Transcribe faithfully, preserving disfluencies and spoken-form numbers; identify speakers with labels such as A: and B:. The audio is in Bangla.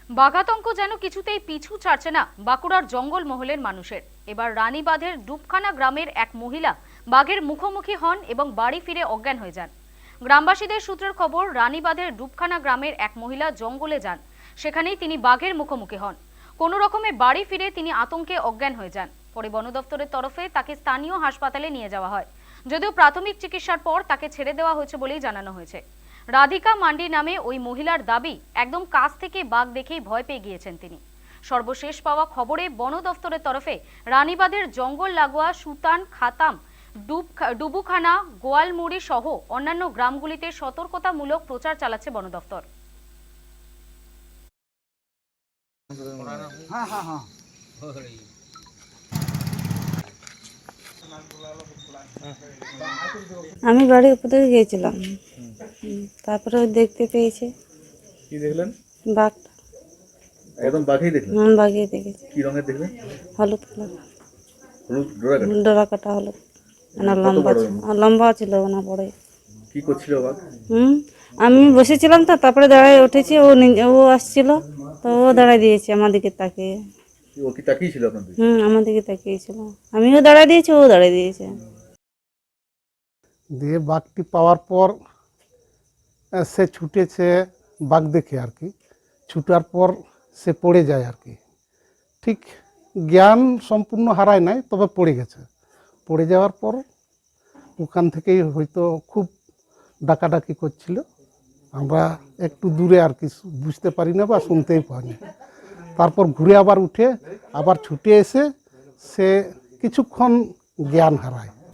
A: বাঘাতঙ্ক যেন কিছুতেই পিছু ছাড়ছে না বাঁকুড়ার জঙ্গল মহলের মানুষের। এবার রানীবাঁধের ডুবখানা গ্রামের এক মহিলা বাঘের মুখোমুখি হন এবং বাড়ি ফিরে অজ্ঞান হয়ে যান। গ্রামবাসীদের সূত্রের খবর, রানীবাঁধের ডুবখানা গ্রামের এক মহিলা জঙ্গলে যান, সেখানেই তিনি বাঘের মুখোমুখি হন। কোনো রকমে বাড়ি ফিরে তিনি আতঙ্কে অজ্ঞান হয়ে যান। পরে বন দপ্তরের তরফে তাকে স্থানীয় হাসপাতালে নিয়ে যাওয়া হয়, যদিও প্রাথমিক চিকিৎসার পর তাকে ছেড়ে দেওয়া হয়েছে বলেই জানানো হয়েছে। রাধিকা মান্ডি নামে ওই মহিলার দাবি, একদম কাছ থেকে বাঘ দেখেই ভয় পেয়ে গিয়েছেন তিনি। সর্বশেষ পাওয়া খবরে বন দফতরের তরফে রানীবাঁধের জঙ্গল লাগোয়া সুতান, খাতাম, ডুবুখানা, গোয়ালমুড়ি সহ অন্যান্য গ্রামগুলিতে সতর্কতামূলক প্রচার চালাচ্ছে বন দফতর।
B: আমি বাড়ির উপর থেকে গিয়েছিলাম, তারপরে ওই দেখতে পেয়েছে।
C: কি দেখলেন?
B: বাঘটা।
C: একদম বাঘেই দেখলেন?
B: হুম, বাঘই দেখেছি।
C: কি রঙের দেখলেন?
B: হলুদ কালার।
C: হলুদ ডোরা কাটা?
B: ডোরা কাটা হলুদ। না লম্বা ছিল, লম্বা ছিল না বড়।
C: কি করছিল বাঘ?
B: হুম, আমি বসেছিলাম তো, তারপরে দাঁড়ায় উঠেছি, ও ও আসছিল তো ও দাঁড়ায় দিয়েছে আমার দিকে তাকিয়ে।
C: ও কি তাকিয়েছিল আপনাদের?
B: হুম, আমার দিকে তাকিয়েছিল, আমিও দাঁড়ায় দিয়েছি, ও দাঁড়ায় দিয়েছে।
D: দিয়ে বাঘটি পাওয়ার পর সে ছুটেছে বাঘ দেখে আর কি। ছুটার পর সে পড়ে যায় আর কি। ঠিক জ্ঞান সম্পূর্ণ হারায় নাই, তবে পড়ে গেছে। পড়ে যাওয়ার পর ওখান থেকেই হয়তো খুব ডাকাডাকি করছিল। আমরা একটু দূরে আর কি, বুঝতে পারি না বা শুনতেই পাই না। তারপর ঘুরে আবার উঠে আবার ছুটে এসে সে কিছুক্ষণ জ্ঞান হারায়।